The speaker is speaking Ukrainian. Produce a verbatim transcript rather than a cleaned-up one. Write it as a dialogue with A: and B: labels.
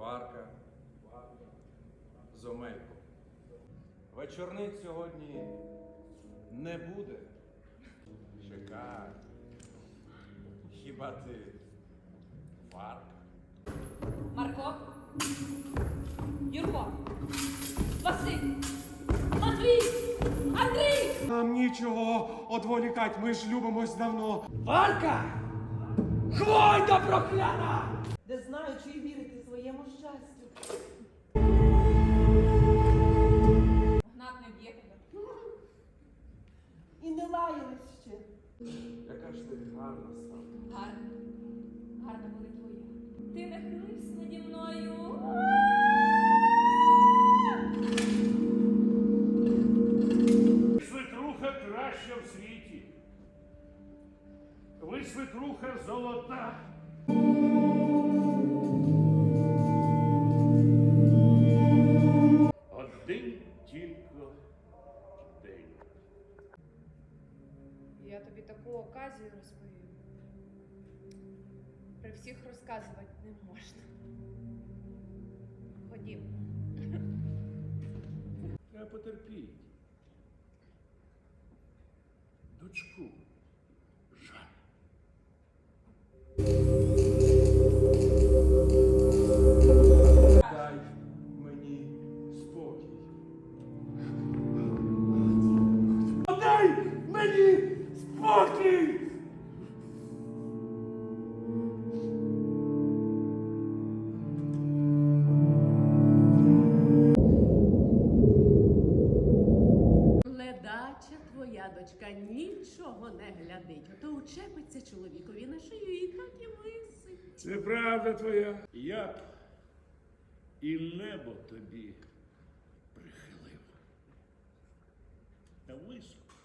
A: Варка з Омельком. Вечорниць сьогодні не буде. Чекай. Хіба ти Варка?
B: Марко, Юрко, Василь, Матвій, Андрій!
C: Нам нічого одволікать, ми ж любимось давно.
D: Варка! Хвойда прокляна!
E: Не знаю, чи й вірити своєму щастю.
B: Гнат не б'є тебе.
E: І не лаялись ще.
A: Яка ж ти гарна стала.
B: Гарна, гарна буде твоя. Ти нахилився наді мною.
F: Свекруха краща в світі. Ви свекруха золота. Один тільки день.
G: Я тобі таку оказію розповім. При всіх розказувати не можна. Ходім.
F: Треба потерпіть. Дочку жаль.
A: Дай мені спокій.
F: Дай мені спокій!
H: Ледача твоя дочка нічого не глядить, а то учепиться чоловікові на шию і так і висить.
F: Це правда твоя. Я б і небо тобі прихилив. Та високо.